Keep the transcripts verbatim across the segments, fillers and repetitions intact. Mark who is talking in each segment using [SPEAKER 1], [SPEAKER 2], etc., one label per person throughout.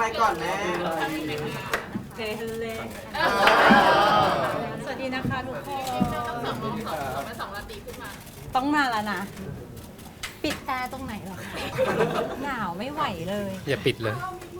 [SPEAKER 1] อะไรก่อนแม่
[SPEAKER 2] เทเลสวัสดีนะคะทุกคนต้องมาแล้วนะ ปิดแอร์ตรงไหนหรอคะหนาวไม่ไหวเลย
[SPEAKER 3] อย่าปิดเลย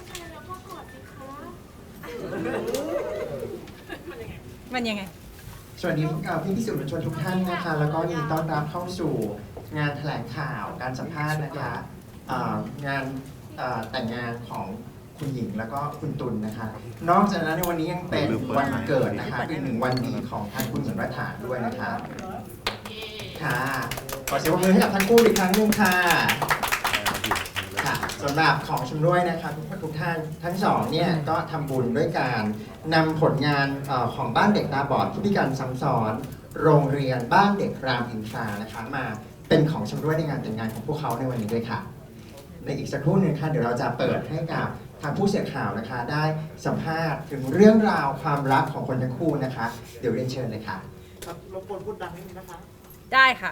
[SPEAKER 2] มันยังไง
[SPEAKER 4] สวัสดีพี่พี่ๆสื่อมวลชนทุกท่านนะคะ แล้วก็ยินดีต้อนรับเข้าสู่งานแถลงข่าวการสัมภาษณ์นะคะเอ่องานเอ่อแต่งงานของคุณหญิงแล้วก็คุณตุลนะคะ นอกจากนั้นในวันนี้ยังเป็นวันเกิดนะคะเป็นหนึ่งวันดีของทางคุณสมรฐานด้วยนะคะค่ะขอเสียงปรบมือให้กับทั้งคู่อีกครั้งหนึ่งค่ะค่ะสำหรับของชำร่วยนะคะทุกทุกท่านทั้งสองเนี่ยก็ทำบุญด้วยการนำผลงานเอ่อของบ้านเด็กตาบอดผู้พิการซ้ำซ้อนโรงเรียนบ้านเด็กรามอินทรานะคะมาเป็นของชำร่วยในงานแต่งงานของพวกเขาในวันนี้ด้วยค่ะในอีกสักครู่หนึงค่ะเดี๋ยวเราจะเปิดให้กับทางผู้สื่อข่าวนะคะได้สัมภาษณ์ถึงเรื่องราวความรักของคนทั้งคู่นะคะเดี๋ยวเรียนเชิญเลยค่ะ
[SPEAKER 1] ครับรบกวนพูดดังนิดนึงนะคะ
[SPEAKER 2] ได้ค่ะ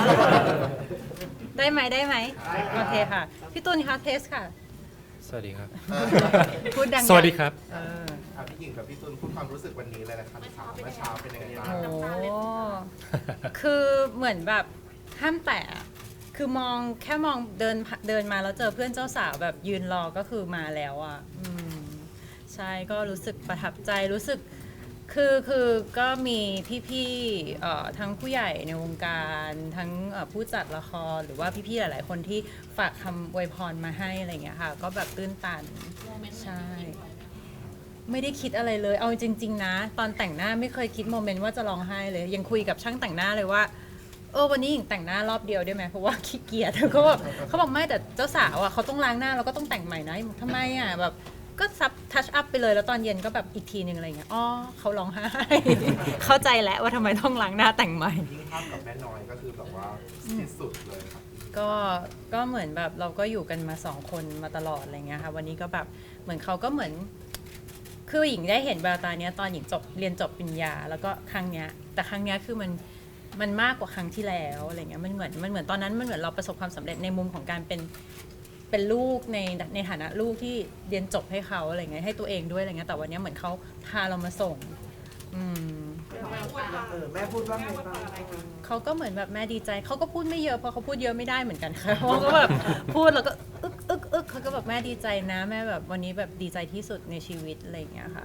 [SPEAKER 2] ได้ไหมได้ไหมโอเคค่ะ พี่ตุลคะเทสค่ะ
[SPEAKER 3] สวัสดีครับ
[SPEAKER 2] พูดดังๆ
[SPEAKER 3] สวัสดีครับ
[SPEAKER 2] เออ
[SPEAKER 5] ถามพี่หญิงกับพี่ตุลพูดความรู้สึกวันนี้เลยนะครับถามเมื่อเช้าเป็นยังไงบ้าง
[SPEAKER 2] โอ้คือเหมือนแบบห้ามแตะคือมองแค่มองเดินเดินมาแล้วเจอเพื่อนเจ้าสาวแบบยืนรอก็คือมาแล้วอ่ะอืมใช่ก็รู้สึกประทับใจรู้สึกคือคือก็มีพี่ๆเอ่อทั้งผู้ใหญ่ในวงการทั้งเอ่อผู้จัดละครหรือว่าพี่ๆหลายๆคนที่ฝากคำอวยพรมาให้อะไรอย่างเงี้ยค่ะก็แบบตื้นตันใช่ไม่ได้คิดอะไรเลยเอาจริงๆนะตอนแต่งหน้าไม่เคยคิดโมเมนต์ว่าจะร้องไห้เลยยังคุยกับช่างแต่งหน้าเลยว่าเออวันนี้หญิงแต่งหน้ารอบเดียวได้ไหมเพราะว่าขี้เกียจเขาบอกเขาบอกไม่แต่เจ้าสาวอ่ะเขาต้องล้างหน้าแล้วก็ต้องแต่งใหม่นะทำไมอ่ะแบบก็ซับทัชอัพไปเลยแล้วตอนเย็นก็แบบอีกทีหนึ่งอะไรเงี้ยอ๋อเขาร้องไห้ เข้าใจแล้วว่าทำไมต้องล้างหน้าแต่งใหม่
[SPEAKER 5] ยิ่งภาพกับแม่น้อยก็คือแบบว่าที่สุดเลยครับ
[SPEAKER 2] ก็ก็เหมือนแบบเราก็อยู่กันมาสองคนมาตลอดอะไรเงี้ยค่ะวันนี้ก็แบบเหมือนเขาก็เหมือนคือหญิงได้เห็นแววตาเนี้ยตอนหญิงจบเรียนจบปริญญาแล้วก็ครั้งเนี้ยแต่ครั้งเนี้ยคือมันมันมากกว่าครั้งที่แล้วอะไรเงี้ยมันเหมือนมันเหมือนตอนนั้นมันเหมือนเราประสบความสำเร็จในมุมของการเป็นเป็นลูกในในฐานะลูกที่เรียนจบให้เขาอะไรเงี้ยให้ตัวเองด้วยอะไรเงี้ยแต่วันนี้เหมือนเขาพาเรามาส่งอืม
[SPEAKER 1] เออแม่พูดว่าไงบ้าง
[SPEAKER 2] เขาก็เหมือนแบบแม่ดีใจเขาก็พูดไม่เยอะเพราะเขาพูดเยอะไม่ได้เหมือนกันค่ะเขาก็แบบพูดแล้วก็อึกอึกอึกเขาก็แบบแม่ดีใจนะแม่แบบวันนี้แบบดีใจที่สุดในชีวิตอะไรอย่างเงี้ยค่ะ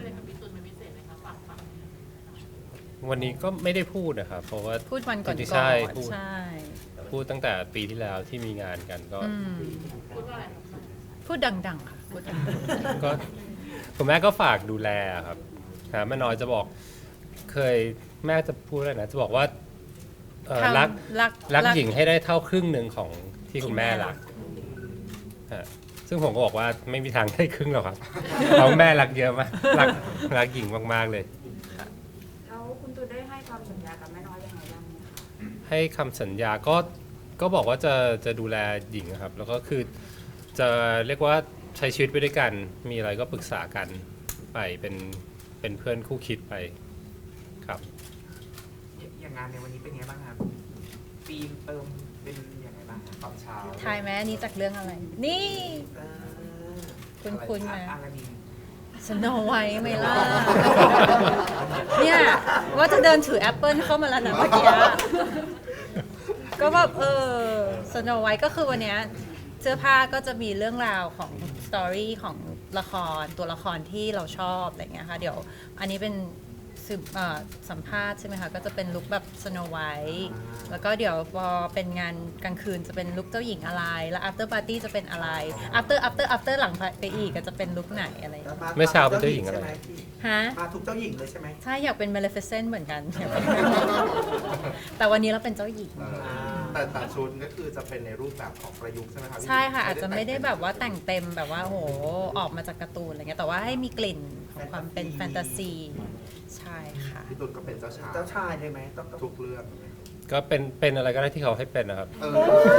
[SPEAKER 3] วันนี้ก็ไม่ได้พูดนะครับ เพราะว่า
[SPEAKER 2] พูดวันก่อน
[SPEAKER 3] จริงๆ
[SPEAKER 2] ก่
[SPEAKER 3] ใช่
[SPEAKER 2] อน
[SPEAKER 3] พูด
[SPEAKER 2] ใช่
[SPEAKER 3] พูดตั้งแต่ปีที่แล้วที่มีงานกันก็
[SPEAKER 2] อืมพูดดังๆค่ะพูดดัง
[SPEAKER 3] ก็คุณแม่ก็ฝากดูแลครับนะแม่น้อยจะบอกเคยแม่จะพูดอะไรนะจะบอกว่าเอ่อ
[SPEAKER 2] ๆ
[SPEAKER 3] รัก
[SPEAKER 2] ทำรัก
[SPEAKER 3] รักหญิงให้ได้เท่าครึ่งหนึ่งของที่คุณแม่รักฮะซึ่งผมก็บอกว่าไม่มีทางได้ครึ่งหรอกครับเพราะแม่รักเยอะมากรักรักหญิงมากๆเลย
[SPEAKER 6] แล้วคุณตูนได้ให้ความสัญญากับแม่น้อยยังไงบ้างไหมคะ
[SPEAKER 3] ให้คำสัญญาก็ก็บอกว่าจะจะดูแลหญิงครับ แล้วก็คือจะเรียกว่าใช้ชีวิตไปด้วยกัน มีอะไรก็ปรึกษากันไปเป็นเป็นเพื่อนคู่คิดไปครับ
[SPEAKER 1] อย่างงานในวันนี้เป็นไงบ้างครับปีมเติมเป็นยังไงบ้างครับตอนเช้า
[SPEAKER 2] ทายไหมอันนี้จากเรื่องอะไร นี่
[SPEAKER 1] เออ
[SPEAKER 2] คุณคุณไหม
[SPEAKER 1] อะไรนี่
[SPEAKER 2] สโนไวท์ไหมล่ะ เนี่ยว่าจะเดินถือแอปเปิลเข้ามาแล้วนะเมื่อกี้ ก็แบบเออสโนไวท์ก็คือวันเนี้ยเสื้อผ้าก็จะมีเรื่องราวของสตอรี่ของละครตัวละครที่เราชอบอะไรเงี้ยค่ะเดี๋ยวอันนี้เป็นสืบเอ่อสัมภาษณ์ใช่ไหมคะก็จะเป็นลุคแบบสโนไวท์แล้วก็เดี๋ยวพอเป็นงานกลางคืนจะเป็นลุคเจ้าหญิงอะไรแล้ว after party จะเป็นอะไร after after after หลังไปอีกก็จะเป็นลุคไหนอะไรอย่างเงี้ย
[SPEAKER 3] เมื่อเช้าเป็นเจ้าหญิงอะไร
[SPEAKER 2] ฮะ
[SPEAKER 1] มาทุกเจ้าหญิงเลยใช่ไหม
[SPEAKER 2] ใช่อยากเป็น Maleficent เหมือนกัน แต่วันนี้เราเป็นเจ้าหญิง
[SPEAKER 5] แต่แต่ชุดก็คือจะเป็นในรูปแบบของประยุกต์ใช่ไหมครับพี่
[SPEAKER 2] ใช่ค่ะ อาจจะไม่ได้แบบว่าแต่งเต็มแบบว่าโหออกมาจากการ์ตูนอะไรเงี้ยแต่ว่าให้มีกลิ่นของความเป็นแฟนตาซี ใช่ค่ะ
[SPEAKER 5] พี่ตุลก็เป็นเจ้าชาย
[SPEAKER 1] เจ้าชายเลยไหมต้องต้อง
[SPEAKER 5] ทุกเรื่อง
[SPEAKER 3] ก็เป็นเป็นอะไรก็ได้ที่เขาให้เป็นนะครับ
[SPEAKER 5] เออก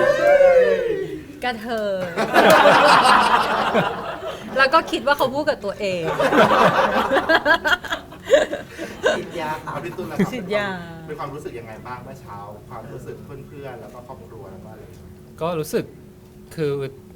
[SPEAKER 2] ระเทย แล้วก็คิดว่าเขาพูดกับตัวเอง
[SPEAKER 1] ฉีดยา
[SPEAKER 5] เอาพี่ตุลนะ
[SPEAKER 2] ฉีดยา
[SPEAKER 5] เป็นความรู้สึกยังไงบ้างเมื่อเช้า ความรู้สึกเพื่อนๆแล้วก็ครอบครัวแล้วก็อะไร
[SPEAKER 3] ก็รู้สึกคือ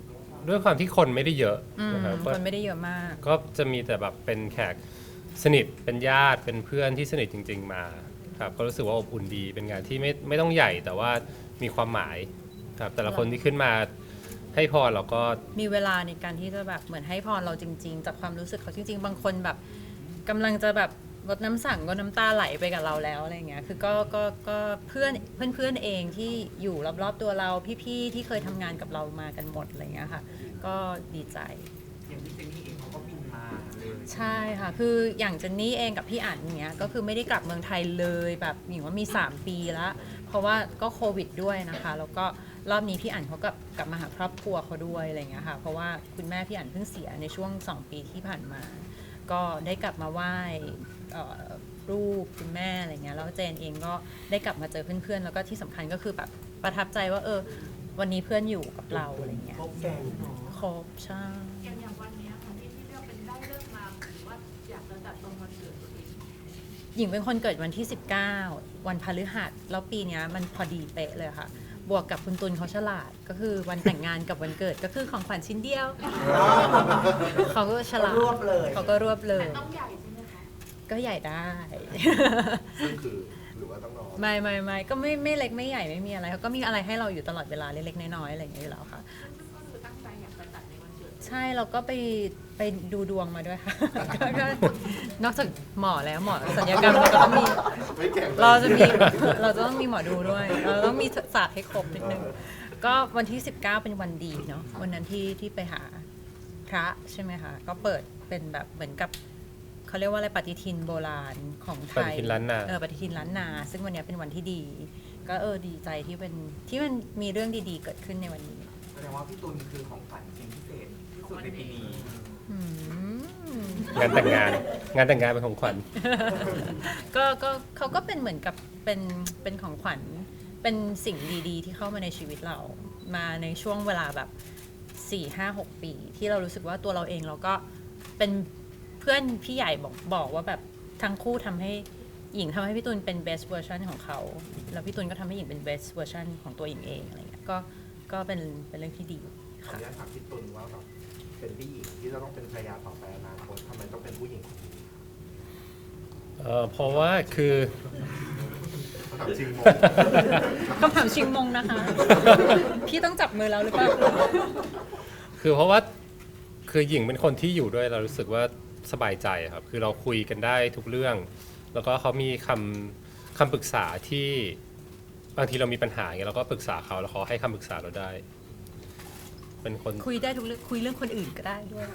[SPEAKER 3] ด้วยความที่คนไม่ได้เยอะ
[SPEAKER 2] อืม
[SPEAKER 3] นะครับก็
[SPEAKER 2] คนไม่ได้เยอะมาก
[SPEAKER 3] ก็จะมีแต่แบบเป็นแขกสนิทเป็นญาติเป็นเพื่อนที่สนิทจริง ๆ มาครับก็รู้สึกว่าอบอุ่นดีเป็นงานที่ไม่ไม่ต้องใหญ่แต่ว่ามีความหมายครับแต่ละคนที่ขึ้นมาให้พรเราก็
[SPEAKER 2] มีเวลาในการที่จะแบบเหมือนให้พรเราจริง ๆ จากความรู้สึกเขาจริง ๆ บางคนแบบกำลังจะแบบลดน้ำสั่งก็น้ำตาไหลไปกับเราแล้วอะไรเงี้ยคือก็ก็ก็เพื่อนเพื่อนเพื่อนเองที่อยู่รอบๆตัวเราพี่ๆที่เคยทำงานกับเรามากันหมดอะไรเงี้ยค่ะก็ดีใจ
[SPEAKER 1] อย่างพี่เจนนี่เองเขาก็บินมาเลย
[SPEAKER 2] ใช่ค่ะ คืออย่างเจนนี่เองกับพี่อั๋นเนี้ยก็คือไม่ได้กลับเมืองไทยเลยแบบหญิงว่ามีสามปีแล้วเพราะว่าก็โควิดด้วยนะคะแล้วก็รอบนี้พี่อั๋นเขากลับกลับมาหาครอบครัวเขาด้วยอะไรเงี้ยค่ะเพราะว่าคุณแม่พี่อั๋นเพิ่งเสียในช่วงสองปีที่ผ่านมา ก็ได้กลับมาไหว้เอ่อรูปคุณแม่อะไรเงี้ยแล้วเจนเองก็ได้กลับมาเจอเพื่อนๆแล้วก็ที่สำคัญก็คือแบบประทับใจว่าเออวันนี้เพื่อนอยู่กับเราอะไรเงี้ย
[SPEAKER 1] ครบแกงเนาะ
[SPEAKER 2] ครบใช่
[SPEAKER 6] อย่างอย่างวันเนี้ยค่ะที่ที่เลือกเป็นได้เลือกมาหรือว่าอยากจะจัดตรงวันเกิดตัวเอง
[SPEAKER 2] หญิงเป็นคนเกิดวันที่ สิบเก้า วันพฤหัสแล้วปีเนี้ยมันพอดีเป๊ะเลยค่ะ บวกกับคุณตุลเขาฉลาดก็คือวันแต่งงานกับวันเกิดก็คือของขวัญชิ้นเดียว เขาก็ฉลาด
[SPEAKER 1] รวบเลย
[SPEAKER 2] เขาก็รวบเลย
[SPEAKER 6] แต่ต้องใหญ่ใช่ไหมคะ
[SPEAKER 2] ก็ใหญ่ได้
[SPEAKER 5] ซึ่งคือหรือว่าต้องรอ
[SPEAKER 2] ไม่ไม่ไม่ก็ไม่ไม่เล็กไม่ใหญ่ไม่มีอะไรเขาก็มีอะไรให้เราอยู่ตลอดเวลาเล็กๆน้อยๆอะไรอย่างเงี้ยอยู่แล้วค่ะ
[SPEAKER 6] ก็คือตั้งใจอยากจะจัดในวันเกิด
[SPEAKER 2] ใช่เราก็ไปไปดูดวงมาด้วยค่ะ ก็ก็นอกจากหมอแล้วหมอสัญญกรรมเราก็ต้องมี
[SPEAKER 5] ไม่แข่งลย
[SPEAKER 2] เราจะมีเราจะต้องมีหมอดูด้วย เราต้องมีศาสตร์ให้ครบนิดนึง ก็วันที่ สิบเก้า เป็นวันดีเนาะวันนั้นที่ที่ไปหาพระใช่ไหมคะ ก็เปิดเป็นแบบเหมือนกับเขาเรียกว่าอะไรปฏิทินโบราณของไทย
[SPEAKER 3] ปฏิทินล้านนา
[SPEAKER 2] เออปฏิทินล้านนา ซึ่งวันเนี้ยเป็นวันที่ดี ก็เออดีใจที่เป็นที่มันมีเรื่องดีๆเกิดขึ้นในวันนี้
[SPEAKER 1] แสดงว่าพี่ตุลคือของขวัญชิ้นพิเศษที่สุดในปีนี้
[SPEAKER 2] อืม
[SPEAKER 3] งานแต่งงาน งานแต่งงานเป็นของขวัญ
[SPEAKER 2] ก็ก็เขาก็เป็นเหมือนกับเป็นเป็นของขวัญเป็นสิ่งดีๆ ที่เข้ามาในชีวิตเรามาในช่วงเวลาแบบสี่ห้าหกปี ที่เรารู้สึกว่าตัวเราเองเราก็เป็นเพื่อนพี่ใหญ่บอกบอกว่าแบบทั้งคู่ทำให้หญิงทำให้พี่ตุลเป็น best version ของเขาแล้วพี่ตุลก็ทำให้หญิงเป็น best version ของตัวหญิงเองอะไรเงี้ยก็ก็เป็นเป็นเรื่องที่ดี
[SPEAKER 5] ขออนุญาตถามพี่ตุลว่าแบบเป็นผู้หญิงที่จะต้องเป็นภรรยาต่อไปอนาคตทำไมต้องเป็นผู้หญิงคนนี้
[SPEAKER 3] เออเพราะว่าคือ
[SPEAKER 5] ถามจริงงง
[SPEAKER 2] คำถามชิงมงนะคะ พี่ต้องจับมือแล้วหรือเปล่า
[SPEAKER 3] คือเพราะว่าคือหญิงเป็นคนที่อยู่ด้วยเรารู้สึกว่าสบายใจครับคือเราคุยกันได้ทุกเรื่อง แล้วก็เขามีคำคำปรึกษาที่บางทีเรามีปัญหาอย่างเงี้ยเราก็ปรึกษาเขาแล้วเขาให้คำปรึกษาเราได้ เป็นคน
[SPEAKER 2] คุยได้ทุกเรื่องคุยเรื่องคนอื่นก็ได้ด้วย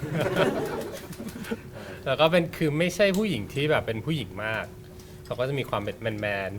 [SPEAKER 3] แล้วก็เป็นคือไม่ใช่ผู้หญิงที่แบบเป็นผู้หญิงมากเขาก็จะมีความเป็นแมนแมน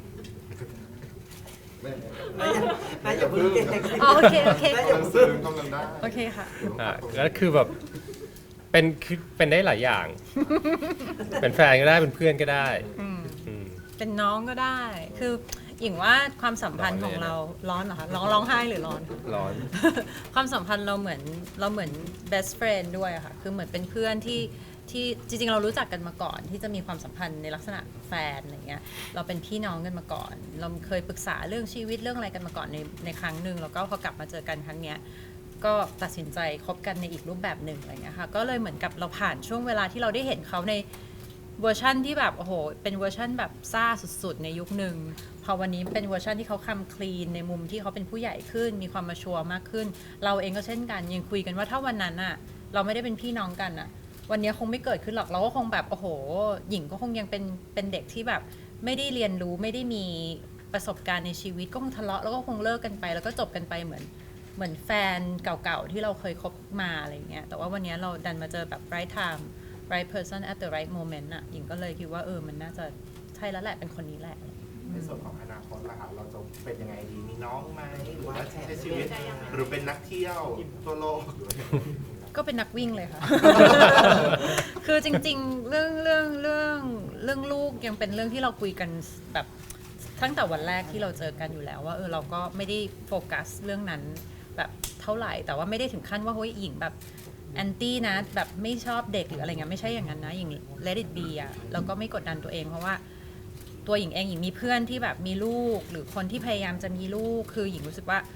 [SPEAKER 5] น่าจะพึ่ง
[SPEAKER 2] อ๋อโอเคโอเค
[SPEAKER 5] กำลังซึ้งกำลังได้
[SPEAKER 2] โอเคค่ะ
[SPEAKER 3] ๆอ่าแล้วคือแบบเป็นคือเป็นได้หลายอย่าง เป็นแฟนก็ได้เป็นเพื่อนก็ได้
[SPEAKER 2] อืม
[SPEAKER 3] อืม
[SPEAKER 2] เป็นน้องก็ได้ คือหญิงว่าความสัมพันธ์ของเราร้อนเหรอคะร้องร้องไห้หรือร้อน
[SPEAKER 3] ร้อน
[SPEAKER 2] ความสัมพันธ์เราเหมือนเราเหมือน best friend ด้วยอะค่ะ คือเหมือนเป็นเพื่อนที่ที่จริงๆ เรารู้จักกันมาก่อน ที่จะมีความสัมพันธ์ในลักษณะแฟนอะไรเงี้ย เราเป็นพี่น้องกันมาก่อน เราเคยปรึกษาเรื่องชีวิตเรื่องอะไรกันมาก่อนในในครั้งหนึ่งแล้วก็พอกลับมาเจอกันครั้งเนี้ย ก็ตัดสินใจคบกันในอีกรูปแบบหนึ่งอะไรเงี้ยค่ะ ก็เลยเหมือนกับเราผ่านช่วงเวลาที่เราได้เห็นเขาในเวอร์ชั่นที่แบบโอ้โห เป็นเวอร์ชั่นแบบซ่าสุดๆ ในยุคหนึ่ง พอวันนี้เป็นเวอร์ชันที่เขาคำคลีนในมุมที่เขาเป็นผู้ใหญ่ขึ้น มีความมาชัวร์มากขึ้น เราเองก็เช่นกันยังคุยกันว่าถ้าวันนั้นอะเราไม่ได้เป็นพี่น้องกันอะวันนี้คงไม่เกิดขึ้นหรอกเราก็คงแบบโอ้โห หญิงก็คงยังเป็นเป็นเด็กที่แบบไม่ได้เรียนรู้ไม่ได้มีประสบการณ์ในชีวิตก็คงทะเลาะแล้วก็คงเลิกกันไปแล้วก็จบกันไปเหมือนเหมือนแฟนเก่าๆที่เราเคยคบมาอะไรอย่างเงี้ยแต่ว่าวันนี้เราดันมาเจอแบบ right time right person at the right moment อะหญิงก็เลยคิดว่าเออมันน่าจะใช่แล้วแหละเป็นคนนี้แหละ
[SPEAKER 5] ในส่วนของอนาคตล่ะครับเราจะเป็นยังไงดีมีน้องไหมหรือว่าใช้ชีวิตหรือเป็นนักเที่ยวทั่วโลกหรือว่า
[SPEAKER 2] ก็เป็นนักวิ่งเลยค่ะ คือจริงๆ เรื่องเรื่องเรื่องเรื่องลูกยังเป็นเรื่องที่เราคุยกันแบบตั้งแต่วันแรกที่เราเจอกันอยู่แล้วว่าเออเราก็ไม่ได้โฟกัสเรื่องนั้นแบบเท่าไหร่ แต่ว่าไม่ได้ถึงขั้นว่าเฮ้ยหญิงแบบแอนตี้นะแบบไม่ชอบเด็กหรืออะไรเงี้ยไม่ใช่อย่างนั้นนะหญิง let it be อ่ะแล้วก็ไม่กดดันตัวเองเพราะว่าตัวหญิงเองหญิงมีเพื่อนที่แบบมีลูกหรือคนที่พยายามจะมีลูกคือหญิงรู้สึกว่า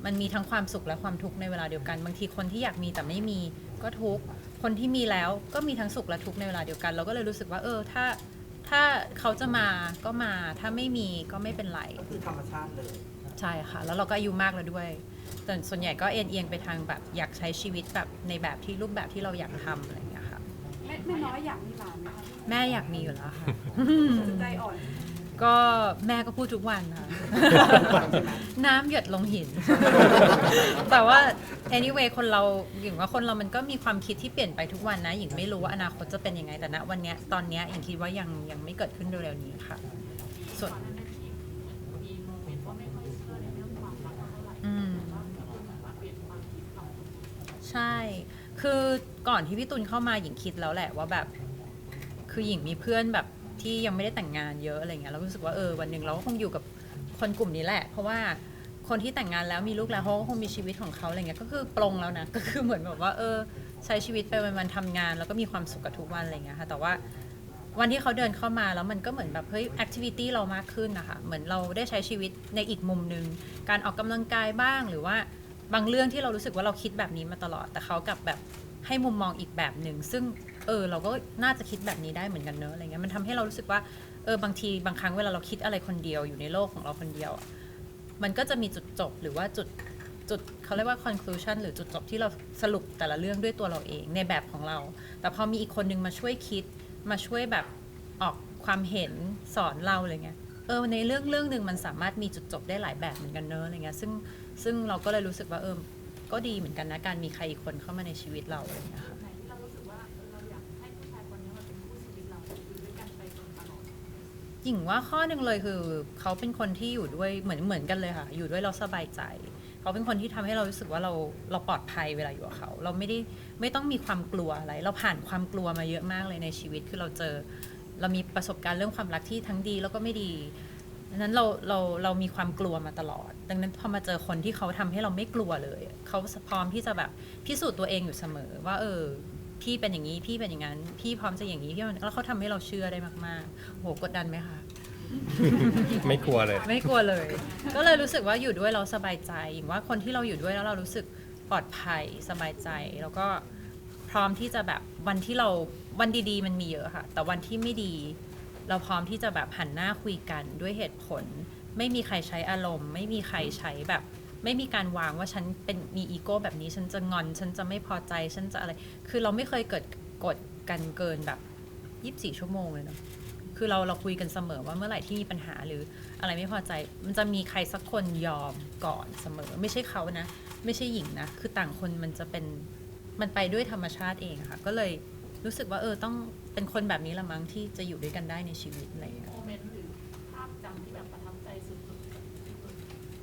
[SPEAKER 2] มันมีทั้งความสุขและความทุกข์ในเวลาเดียวกันบางทีคนที่อยากมีแต่ไม่มีก็ทุกข์คนที่มีแล้วก็มีทั้งสุขและทุกข์ในเวลาเดียวกัน เราก็เลยรู้สึกว่าเออถ้าถ้าเขาจะมาก็มาถ้าไม่มีก็ไม่เป็นไร
[SPEAKER 1] ก็คือธรรมชาติเลย
[SPEAKER 2] ใช่ค่ะแล้วเราก็อายุมากแล้วด้วยแต่ส่วนใหญ่ก็เอ็นเอียงไปทางแบบอยากใช้ชีวิตแบบในแบบที่รูปแบบที่เราอยากทำอะไรอย่างเงี้ยค่ะ
[SPEAKER 6] แม่แม่น้อยอยากมีหลานไหมคะ
[SPEAKER 2] แม่อยากมีอยู่แล้วค่ะ
[SPEAKER 6] ใจอ่อน
[SPEAKER 2] ก็แม่ก็พูดทุกวันค่ะ น้ำหยดลงหิน แต่ว่า anyway คนเราหญิงว่าคนเรามันก็มีความคิดที่เปลี่ยนไปทุกวันนะหญิงไม่รู้ว่าอนาคตจะเป็นยังไงแต่ณวันเนี้ยตอนเนี้ยหญิงคิดว่ายังยังไม่เกิดขึ้นเร็วๆนี้ค่ะ ส่วน
[SPEAKER 6] ก่อนหน้านั้นที่มีโมเมนต์ว่าไม่ค่อยเชื่อในเรื่องความรักเท่าไหร่
[SPEAKER 2] อืม
[SPEAKER 6] ว่าพี่ตุลมาเปลี่ยนความคิดเรา
[SPEAKER 2] ใช่ คือก่อนที่พี่ตุลเข้ามาหญิงคิดแล้วแหละว่าแบบ คือหญิงมีเพื่อนแบบที่ยังไม่ได้แต่งงานเยอะอะไรเงี้ยเราก็รู้สึกว่าเออวันหนึ่งเราก็คงอยู่กับคนกลุ่มนี้แหละ เพราะว่าคนที่แต่งงานแล้วมีลูกแล้วเขาก็คงมีชีวิตของเขาอะไรเงี้ยก็คือปลงแล้วนะ ก็คือเหมือนแบบว่าเออใช้ชีวิตไปวันๆทำงาน แล้วก็มีความสุขกับทุกวันอะไรเงี้ยค่ะแต่ว่าวันที่เขาเดินเข้ามาแล้วมันก็เหมือนแบบเฮ้ยแอคทิวิตี้เรามากขึ้นนะคะเหมือนเราได้ใช้ชีวิตในอีกมุมนึงการออกกำลังกายบ้างหรือว่าบางเรื่องที่เรารู้สึกว่าเราคิดแบบนี้มาตลอด แต่เขากลับแบบให้มุมมองอีกแบบหนึ่งซึ่งเออเราก็น่าจะคิดแบบนี้ได้เหมือนกันเนอะอะไรเงี้ยมันทำให้เรารู้สึกว่าเออบางทีบางครั้งเวลาเราคิดอะไรคนเดียวอยู่ในโลกของเราคนเดียวอะมันก็จะมีจุดจบหรือว่าจุดจุดเขาเรียกว่า conclusion หรือจุดจบที่เราสรุปแต่ละเรื่องด้วยตัวเราเองในแบบของเรา แต่พอมีอีกคนนึงมาช่วยคิดมาช่วยแบบออกความเห็นสอนเราอะไรเงี้ยเออในเรื่องเรื่องหนึ่งมันสามารถมีจุดจบได้หลายแบบเหมือนกันเนอะอะไรเงี้ยซึ่งซึ่งเราก็เลยรู้สึกว่าเออก็ดีเหมือนกันนะการมีใครอีกคนเข้ามาในชีวิตเราอะไรเงี้ยค่ะ
[SPEAKER 6] ไหนที่เรารู้สึกว่าเออเราอยากให้ผู้ชายคนนี้มาเป็นคู่ชีวิตเราอยู่ด้วยกันไปจนตลอด
[SPEAKER 2] หญิงว่าข้อหนึ่งเลยคือเขาเป็นคนที่อยู่ด้วยเหมือนเหมือนกันเลยค่ะอยู่ด้วยเราสบายใจเขาเป็นคนที่ทำให้เรารู้สึกว่าเราเราปลอดภัยเวลาอยู่กับเขาเราไม่ได้ไม่ต้องมีความกลัวอะไรเราผ่านความกลัวมาเยอะมากเลยในชีวิตคือเราเจอเรามีประสบการณ์เรื่องความรักที่ทั้งดีแล้วก็ไม่ดีดังนั้นเราเราเรามีความกลัวมาตลอด ดังนั้นพอมาเจอคนที่เขาทำให้เราไม่กลัวเลยเขาพร้อมที่จะแบบพิสูจน์ตัวเองอยู่เสมอว่าเออพี่เป็นอย่างนี้พี่เป็นอย่างนั้นพี่พร้อมจะอย่างนี้พี่แล้วเขาทำให้เราเชื่อได้มากๆโหกดดันไหมคะ
[SPEAKER 3] ไม่กลัวเลย
[SPEAKER 2] ไม่กลัวเลย ก็เลยรู้สึกว่าอยู่ด้วยเราสบายใจอย่างว่าคนที่เราอยู่ด้วยแล้วเรารู้สึกปลอดภัยสบายใจ แล้วก็พร้อมที่จะแบบวันที่เราวันดีๆมันมีเยอะค่ะ แต่วันที่ไม่ดี เราพร้อมที่จะแบบหันหน้าคุยกันด้วยเหตุผล ไม่มีใครใช้อารมณ์ ไม่มีใครใช้แบบ ไม่มีการวางว่าฉันเป็นมีอีโก้แบบนี้ฉันจะงอนฉันจะไม่พอใจฉันจะอะไร คือเราไม่เคยเกิดกดกันเกินแบบยี่สิบสี่ชั่วโมงเลยเนาะ คือเราเราคุยกันเสมอว่าเมื่อไหร่ที่มีปัญหาหรืออะไรไม่พอใจ มันจะมีใครสักคนยอมก่อนเสมอ ไม่ใช่เขานะ ไม่ใช่หญิงนะ คือต่างคนมันจะเป็นมันไปด้วยธรรมชาติเองค่ะ ก็เลยรู้สึกว่าเออต้องเป็นคนแบบนี้ละมั้งที่จะอยู่ด้วยกันได้ในชีวิตอะไรอย่างเงี้ย
[SPEAKER 6] โมเมนต์หรือภาพจำที่แบบประทับใจสุดๆกับพี่ตุล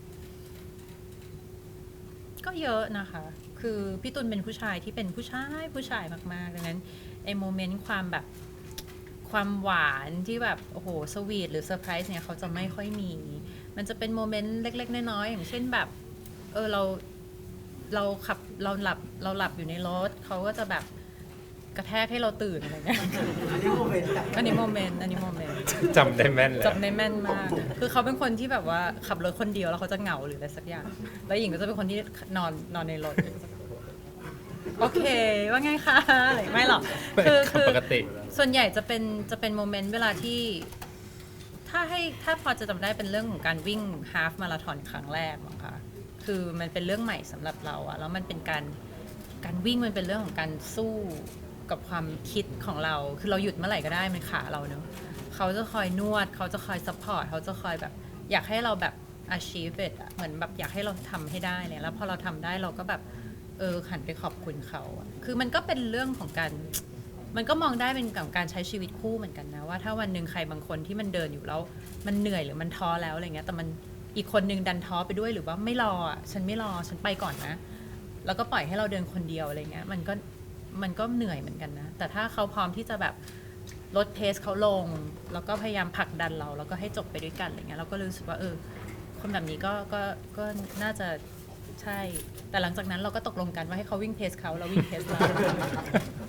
[SPEAKER 2] ก็เยอะนะคะ คือพี่ตุลเป็นผู้ชายที่เป็นผู้ชายผู้ชายมากๆดังนั้นไอ้โมเมนต์ความแบบความหวานที่แบบโอ้โหสวีทหรือเซอร์ไพรส์เนี่ยเขาจะไม่ค่อยมี มันจะเป็นโมเมนต์เล็กๆน้อยๆอย่างเช่นแบบเออเราเราขับเราหลับเราหลับอยู่ในรถเขาก็จะแบบกระแทกให้เราตื่นอะไรเงี้ย
[SPEAKER 1] อันนี้โมเมนต์
[SPEAKER 2] อันนี้โมเมนต์อันนี้โมเมนต์
[SPEAKER 3] จำได้แม่นเลย
[SPEAKER 2] จำได้แม่นมาก คือเขาเป็นคนที่แบบว่าขับรถคนเดียวแล้วเขาจะเหงาหรืออะไรสักอย่าง แล้วหญิงก็จะเป็นคนที่นอนนอนในรถ โอเค ว่าไงคะอะไรไม่หรอก คือคือ
[SPEAKER 3] ปกติ
[SPEAKER 2] ส่วนใหญ่จะเป็นจะเป็นโมเมนต์เวลาที่ ถ้าให้ถ้าพอจะจำได้เป็นเรื่องของการวิ่งฮาฟมาราธอนครั้งแรกมั้งคะ คือมันเป็นเรื่องใหม่สำหรับเราอะแล้วมันเป็นการการวิ่งมันเป็นเรื่องของการสู้กับความคิดของเรา คือเราหยุดเมื่อไหร่ก็ได้มันขาเราเนอะเขาจะคอยนวดเขาจะคอยซัพพอร์ตเขาจะคอยแบบอยากให้เราแบบ achieve it อะเหมือนแบบอยากให้เราทำให้ได้เนี่ยแล้วพอเราทำได้เราก็แบบเออหันไปขอบคุณเขาอะคือมันก็เป็นเรื่องของการมันก็มองได้เป็นกับการใช้ชีวิตคู่เหมือนกันนะว่าถ้าวันหนึ่งใครบางคนที่มันเดินอยู่แล้วมันเหนื่อยหรือมันท้อแล้วอะไรเงี้ยแต่มันอีกคนนึงดันท้อไปด้วยหรือว่าไม่รออ่ะฉันไม่รอฉันไปก่อนนะแล้วก็ปล่อยให้เราเดินคนเดียวอะไรเงี้ยมันก็มันก็เหนื่อยเหมือนกันนะแต่ถ้าเขาพร้อมที่จะแบบลดเพสเขาลงแล้วก็พยายามผลักดันเราแล้วก็ให้จบไปด้วยกันอะไรเงี้ยเราก็รู้สึกว่าเออคนแบบนี้ก็ก็ก็น่าจะใช่แต่หลังจากนั้นเราก็ตกลงกันว่าให้เขาวิ่งเพสเขาเราวิ่งเพสเรา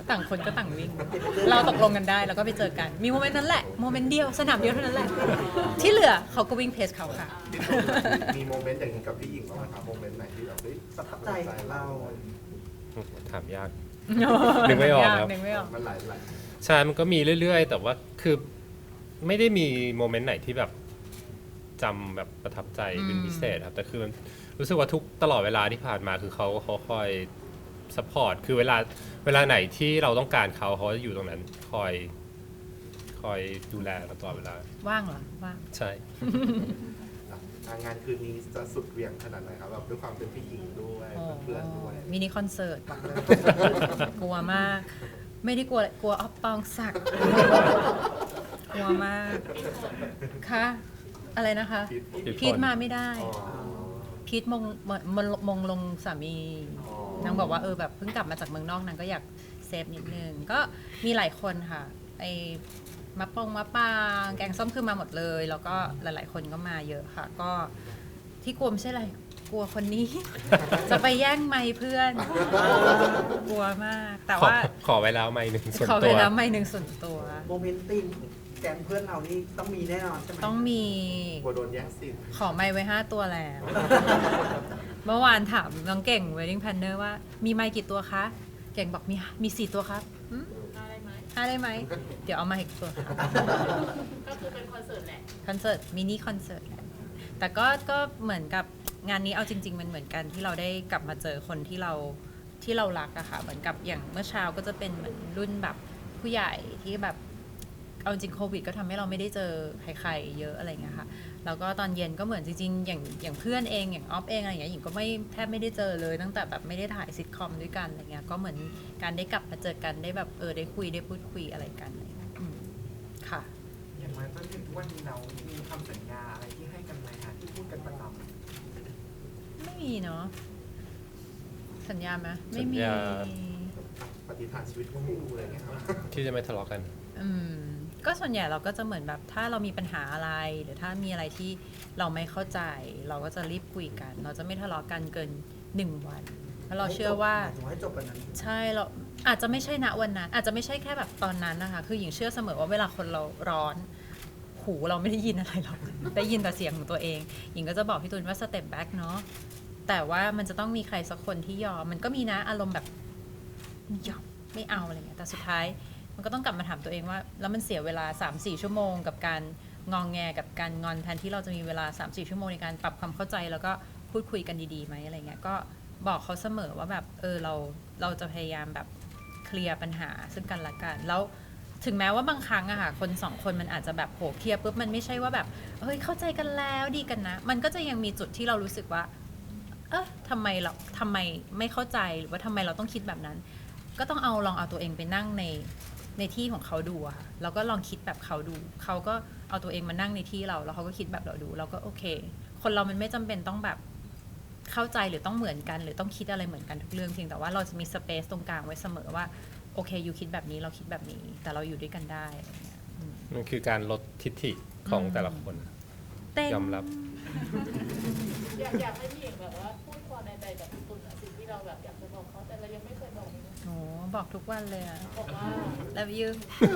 [SPEAKER 2] ต่างคนก็ต่างวิ่ง เราตกลงกันได้แล้วก็ไปเจอกัน มีโมเมนต์นั้นแหละโมเมนต์เดียวสนามเดียวเท่านั้นแหละ ที่เหลือเขาก็วิ่งเพสเขาค่ะ
[SPEAKER 5] มีโมเมนต์อย่างนี้กับพี่หญิงบ้างไหมครับโมเมนต์ไหนที่แบบเฮ้ย
[SPEAKER 4] ประทับใจของเรา
[SPEAKER 3] ถามยาก นึกไม่ออกครับ
[SPEAKER 2] นึกไม่ออก
[SPEAKER 5] มันหลายหลาย
[SPEAKER 3] ใช่มันก็มีเรื่อยๆ แต่ว่าคือไม่ได้มีโมเมนต์ไหนที่แบบจำแบบประทับใจเป็นพิเศษครับ แต่คือมันรู้สึกว่าทุกตลอดเวลาที่ผ่านมาคือเขาเขาคอยซัพพอร์ตคือเวลาเวลาไหนที่เราต้องการเขาเขาจะอยู่ตรงนั้นคอยคอยดูแลเราตลอดเวลา
[SPEAKER 2] ว่างเหรอว่าง
[SPEAKER 3] ใช่
[SPEAKER 5] อ่ะงานคืนนี้จะสุดเหวี่ยงขนาดไหนครับแบบด้วยความเป็นพี่หญิงด้วยเพื่อนๆด้วย
[SPEAKER 2] มินิคอนเสิร์ตบอกเลย กลัวมาก ไม่ได้กลัวอะไรกลัวออฟปองศักดิ์กลัวมากคะอะไรนะคะ
[SPEAKER 3] พีท
[SPEAKER 2] พีทมาไม่ได้
[SPEAKER 5] อ๋อ
[SPEAKER 2] พีทมงมงมงลงสามี
[SPEAKER 5] อ๋อ
[SPEAKER 2] นางบอกว่าเออแบบเพิ่งกลับมาจากเมืองนอกนางก็อยากเซฟนิดนึง ก็มีหลายคนค่ะ ไอ้มะปองมะปางแกงส้มคือมาหมดเลย แล้วก็หลาย ๆ คนก็มาเยอะค่ะ ก็ที่กลัวไม่ใช่อะไร กลัวคนนี้ จะไปแย่งไมค์เพื่อน กลัวมาก แต่
[SPEAKER 3] ขอ
[SPEAKER 2] ว่า
[SPEAKER 3] ขอไว้แล้วไม่หนึ่งส่วน
[SPEAKER 2] ขอไป
[SPEAKER 3] ตัว
[SPEAKER 2] แล้วไมค์หนึ่งส่วนตัว
[SPEAKER 7] โมเมนต์ตีมแก๊งเพื่อนเรานี่ต้องมีแน่นอนใช่ไหม
[SPEAKER 2] ต้องมี
[SPEAKER 5] กลัวโดนแย่งสิน
[SPEAKER 2] ขอไมค์ไว้ห้าตัวแล้ว เมื่อวานถามน้องเก่ง wedding planner ว่ามีไมค์กี่ตัวคะ เก่งบอกมีมีสี่ตัวครับหืม
[SPEAKER 6] อะไรไหม
[SPEAKER 2] ห้าได้ไหม เดี๋ยวเอามาอีกตัวครับ
[SPEAKER 6] ก็คือเป็นคอนเสิร์ตแหละ
[SPEAKER 2] คอนเสิร์ตมินิคอนเสิร์ตแหละแต่ก็ก็เหมือนกับงานนี้เอาจริง ๆ มันเหมือนกันที่เราได้กลับมาเจอคนที่เราที่เรารักอะค่ะ เหมือนกับอย่างเมื่อเช้าก็จะเป็นเหมือนรุ่นแบบผู้ใหญ่ที่แบบเอาจริงโควิดก็ทำให้เราไม่ได้เจอใครๆเยอะอะไรเงี้ยค่ะแล้วก็ตอนเย็นก็เหมือนจริงๆอย่างอย่างเพื่อนเองอย่างออฟเองอะไรอย่างเงี้ยหญิงก็ไม่แทบไม่ได้เจอเลยตั้งแต่แบบไม่ได้ถ่ายซิทคอมด้วยกันอะไรเงี้ยก็เหมือนการได้กลับมาเจอกันได้แบบเออได้คุยได้พูดคุยอะไรกันอะไรเงี้ยอืมค่ะ
[SPEAKER 1] อย่างมาจนถึงทุกวันนี้เรามีคำสัญญาอะไรที่ให้กันไหมฮะที่พูดกันประจำ
[SPEAKER 2] ไม่มีเนาะสัญญาไหม
[SPEAKER 3] สั
[SPEAKER 2] ไม่
[SPEAKER 3] ญ
[SPEAKER 2] มี
[SPEAKER 3] ญา
[SPEAKER 5] ปฏิฐานชีวิตคู่อะไรเงี้ยครับ
[SPEAKER 3] ที่จะไม่ทะเลาะกัน
[SPEAKER 2] อืมก็ส่วนใหญ่เราก็จะเหมือนแบบถ้าเรามีปัญหาอะไร หรือถ้ามีอะไรที่เราไม่เข้าใจ เราก็จะรีบคุยกัน เราจะไม่ทะเลาะกันเกินหนึ่งวันเพราะเราเชื่อว่า
[SPEAKER 7] หมยถึงให้จบวันนั้น
[SPEAKER 2] ใช่เราอาจจะไม่ใช่ณวันนั้น อาจจะไม่ใช่แค่แบบตอนนั้นนะคะคือหญิงเชื่อเสมอว่าเวลาคนเราร้อนหูเราไม่ได้ยินอะไรหรอกได้ยินแต่เสียงของตัวเองหญิงก็จะบอกพี่ตูนว่าสเต็ปแบ็กเนาะแต่ว่ามันจะต้องมีใครสักคนที่ยอมมันก็มีนะอารมณ์แบบยอมไม่เอาอะไรเงี้ยแต่สุดท้ายมันก็ต้องกลับมาถามตัวเองว่าแล้วมันเสียเวลา สามสี่ ชั่วโมงกับการงองแงกับการงอนแทนที่เราจะมีเวลา สามสี่ ชั่วโมงในการปรับความเข้าใจแล้วก็พูดคุยกันดีๆไหมอะไรเงี้ยก็บอกเขาเสมอว่าแบบเออเราเราจะพยายามแบบเคลียร์ปัญหาซึ่งกันและกันแล้วถึงแม้ว่าบางครั้งอะค่ะคนสองคนมันอาจจะแบบโหเคลียร์ปุ๊บมันไม่ใช่ว่าแบบเฮ้ยเข้าใจกันแล้วดีกันนะมันก็จะยังมีจุดที่เรารู้สึกว่าเออทำไมเราทำไมไม่เข้าใจหรือว่าทำไมเราต้องคิดแบบนั้น ก็ต้องเอาลองเอาตัวเองไปนั่งในในที่ของเขาดูอะค่ะแล้วก็ลองคิดแบบเขาดูเขาก็เอาตัวเองมานั่งในที่เราแล้วเขาก็คิดแบบเราดูเราก็โอเค คนเรามันไม่จำเป็นต้องแบบเข้าใจหรือต้องเหมือนกัน หรือต้องคิดอะไรเหมือนกันทุกเรื่องเพียงแต่ว่าเราจะมีสเปซตรงกลางไว้เสมอว่าโอเคอยู่คิดแบบนี้เราคิดแบบนี้แต่เราอยู่ด้วยกันได้อะไรเงี้ยอืม
[SPEAKER 3] มันคือการลดทิฐิของ
[SPEAKER 2] อืม
[SPEAKER 3] แต่ละคน
[SPEAKER 2] เต้น
[SPEAKER 3] ยอมรับ
[SPEAKER 6] อยากอยากให้พี่หญิงแบบว่าพูดความในใจกับพี่ตุลอะสิ่งที่เราแบบอยากจะบอกเขาแต่เรายังไม่เคยบอกเลย
[SPEAKER 2] โอ้บอกทุกวันเลยอะ
[SPEAKER 6] บอกว่า
[SPEAKER 2] love you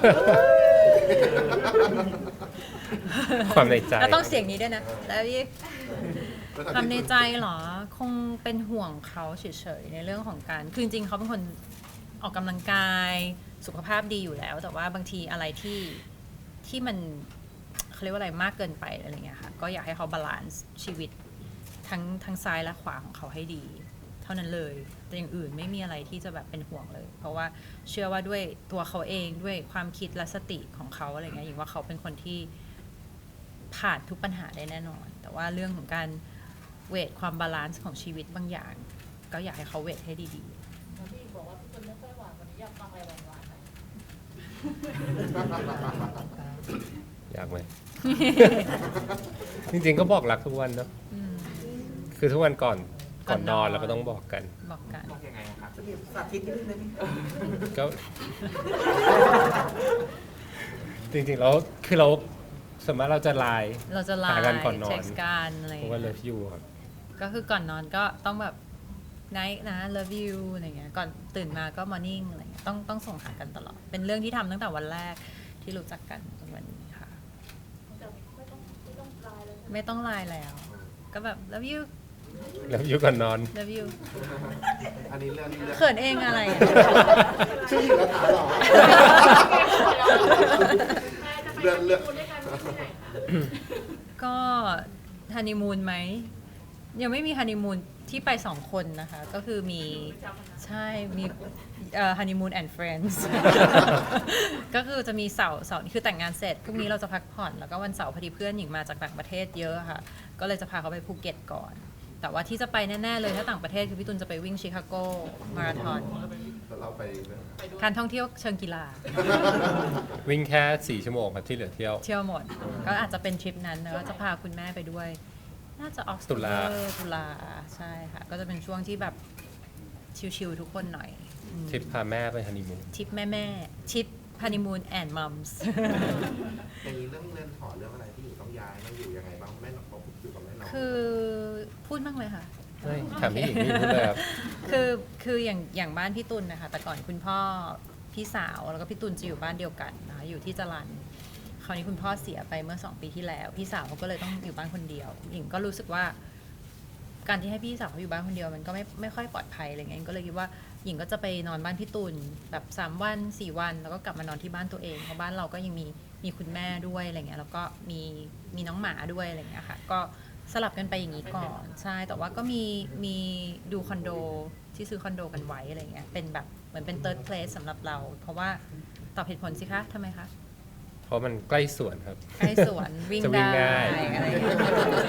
[SPEAKER 3] ความในใจ
[SPEAKER 2] แล้วต้องเสียงนี้ด้วยนะ love you ความในใจเหรอ คงเป็นห่วงเขาเฉยๆในเรื่องของการคือจริงๆเขาเป็นคนออกกำลังกายสุขภาพดีอยู่แล้ว แต่ว่าบางทีอะไรที่ที่มันเขาเรียกว่าอะไรมากเกินไปอะไรเงี้ยค่ะก็อยากให้เขาบาลานซ์ชีวิตทั้งทั้งซ้ายและขวาของเขาให้ดี เท่านั้นเลยแต่อย่างอื่นไม่มีอะไรที่จะแบบเป็นห่วงเลย เพราะว่าเชื่อว่าด้วยตัวเขาเองด้วยความคิดและสติของเขาอะไรเงี้ยอย่างว่าเขาเป็นคนที่ผ่านทุกปัญหาได้แน่นอน แต่ว่าเรื่องของการเวทความบาลานซ์ของชีวิตบางอย่าง ก็อยากให้เขาเวทให้ดี
[SPEAKER 6] แล้วพี่หญิงบอกว่าพี่ตุลไม่ค่อยหวานวันนี้อยากฟังอะไรหวานๆหน่อย
[SPEAKER 3] อยากไหม จริงๆก็บอกรักทุกวันเนาะ
[SPEAKER 2] ๆอืม
[SPEAKER 3] คือทุกวันก่อนก่อนนอน
[SPEAKER 2] ก่อนนอน
[SPEAKER 3] เราก็ต้องบอกกัน
[SPEAKER 2] บอกกัน
[SPEAKER 1] บอกยังไงอะครับ
[SPEAKER 7] จะมีสาธิตนิดนึงได้ไหม
[SPEAKER 3] ก็ จริงๆแล้วคือเราสมมติเราจะไลน์
[SPEAKER 2] เราจะไล
[SPEAKER 3] หา
[SPEAKER 2] น์
[SPEAKER 3] กันก่อนนอน
[SPEAKER 2] เช็คกันอะไร
[SPEAKER 3] เพราะว่าเลิฟยูครับ
[SPEAKER 2] ก็คือก่อนนอนก็ต้องแบบ night นะ love you อะไรเงี้ยก่อนตื่นมาก็ morning อะไรเงี้ยต้องต้องส่งหากันตลอด เป็นเรื่องที่ทำตั้งแต่วันแรกที่รู้จักกันจนวันนี้ค่ะ
[SPEAKER 6] แต่ไม่ต้องไม่ต้องไลน์เลย
[SPEAKER 2] ไม่ต้องไลน์แล้ว ก็แบบ love you
[SPEAKER 3] แล้วอยู่ก่อนนอน
[SPEAKER 2] love you
[SPEAKER 5] อันนี้เรื่องนี้เรื่อง
[SPEAKER 2] เขินเองอะไรอะ
[SPEAKER 5] ชื่อหญิงแล้วถามหรอ
[SPEAKER 6] เรื่องเรื่องด้วยกันที่ไหนคะ
[SPEAKER 2] ก็ฮันนีมูนไหมยังไม่มีฮันนีมูนที่ไปสองคนนะคะ ก็คือมีใช่มีฮันนีมูนแอนด์เฟรนด์ ก็คือจะมีเสาร์เสาร์นี่คือแต่งงานเสร็จพรุ่งนี้เราจะพักผ่อนแล้วก็วันเสาร์พอดีเพื่อนหญิงมาจากต่างประเทศเยอะค่ะ ก็เลยจะพาเขาไปภูเก็ตก่อน แต่ว่าที่จะไปแน่ๆเลยถ้าต่างประเทศคือพี่ตุลจะไปวิ่งชิคาโกมาราธอน
[SPEAKER 5] แล้วเราไปเนี่ย
[SPEAKER 2] การท่องเที่ยวเชิงกีฬา
[SPEAKER 3] วิ่งแค่สี่ชั่วโมงครับที่เหลือเที่ยว
[SPEAKER 2] เที่ยวหมด ก็อาจจะเป็นทริปนั้นแล้วก็จะพาคุณแม่ไปด้วย น่าจะออก
[SPEAKER 3] ตุลา
[SPEAKER 2] ตุลาใช่ค่ะ ก็จะเป็นช่วงที่แบบชิลๆทุกคนหน่อยอืม
[SPEAKER 3] ทริปพาแม่ไปฮันนีมูน
[SPEAKER 2] ทริปแม่ๆทริปฮันนีมูนแอนด์มัมส์
[SPEAKER 5] อย่างนี้เรื่องเรือนหอเรื่องอะไรที่อยู่ต้องย้ายมาอยู่ยังไงบ้างแม่น้องอยู่กับแม่น้อง
[SPEAKER 2] คือพูดบ้างเลยค่ะ
[SPEAKER 3] ไม่ถามพี่หญิงพี่หญิงพูดเลยครับ
[SPEAKER 2] คือคืออย่างอย่างบ้านพี่ตุลนะคะแต่ก่อนคุณพ่อพี่สาวแล้วก็พี่ตุลจะอยู่บ้านเดียวกันนะคะอยู่ที่จรัญคราวนี้คุณพ่อเสียไปเมื่อสองปีที่แล้ว พี่สาวเขาก็เลยต้องอยู่บ้านคนเดียวหญิงก็รู้สึกว่า การที่ให้พี่สาวเขาอยู่บ้านคนเดียวมันก็ไม่ไม่ค่อยปลอดภัยอะไรเงี้ยหญิงก็เลยคิดว่าหญิงก็จะไปนอนบ้านพี่ตุลแบบสามวันสี่วันแล้วก็กลับมานอนที่บ้านตัวเองเพราะบ้านเราก็ยังมีมีคุณแม่ด้วยอะไรเงี้ยแล้วก็มีมีน้องหมาด้วยอะไรเงี้ยค่ะก็สลับกันไปอย่างนี้ก่อนใช่แต่ว่าก็มีมีดูคอนโดที่ซื้อคอนโดกันไว้อะไรเงี้ยเป็นแบบเหมือนเป็น third place สำหรับเรา เพราะว่าตอบเหตุผลสิคะทำไมคะ
[SPEAKER 3] เพราะมันใกล้สวนครับ
[SPEAKER 2] ใกล้สวนวิ่ง
[SPEAKER 3] จะวิ่ง
[SPEAKER 2] ได้
[SPEAKER 3] ง่าย
[SPEAKER 2] อะไรอย่างเงี้ย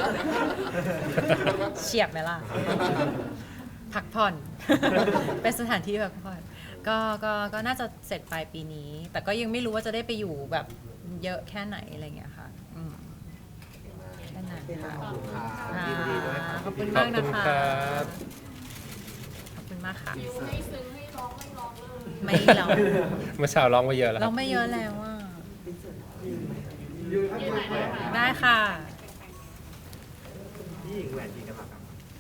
[SPEAKER 2] เฉียบไหมล่ะ พักผ่อน เป็นสถานที่พักผ่อนก็ก็ก็น่าจะเสร็จปลายปีนี้ แต่ก็ยังไม่รู้ว่าจะได้ไปอยู่แบบเยอะแค่ไหนอะไรอย่างเงี้ยค่ะอืมแค่นั้นค่ะ
[SPEAKER 5] ขอบคุณค่ะ
[SPEAKER 2] ค่ะ
[SPEAKER 5] ยินดีด้วยครับ
[SPEAKER 2] ขอบคุณ
[SPEAKER 3] ขอ
[SPEAKER 2] มา
[SPEAKER 3] บ
[SPEAKER 2] ก
[SPEAKER 3] คุ
[SPEAKER 2] นะ
[SPEAKER 3] ณ
[SPEAKER 2] คะ
[SPEAKER 3] ครับ
[SPEAKER 2] ขอบคุณมากค่ะ
[SPEAKER 6] ฟิวให้ซึ้งให้ร้องไม่ร้องเลย
[SPEAKER 2] ไม่หรอก
[SPEAKER 3] เมื่อเช้าร้องไปเยอะแล้วค
[SPEAKER 2] เรา
[SPEAKER 3] รับ
[SPEAKER 2] ไม่เยอะแล้วอ่ะ
[SPEAKER 6] ยืนไหนนะคะ
[SPEAKER 2] ได้ค่ะ
[SPEAKER 7] พี่หญิงแหวนกี่กะลัดครับ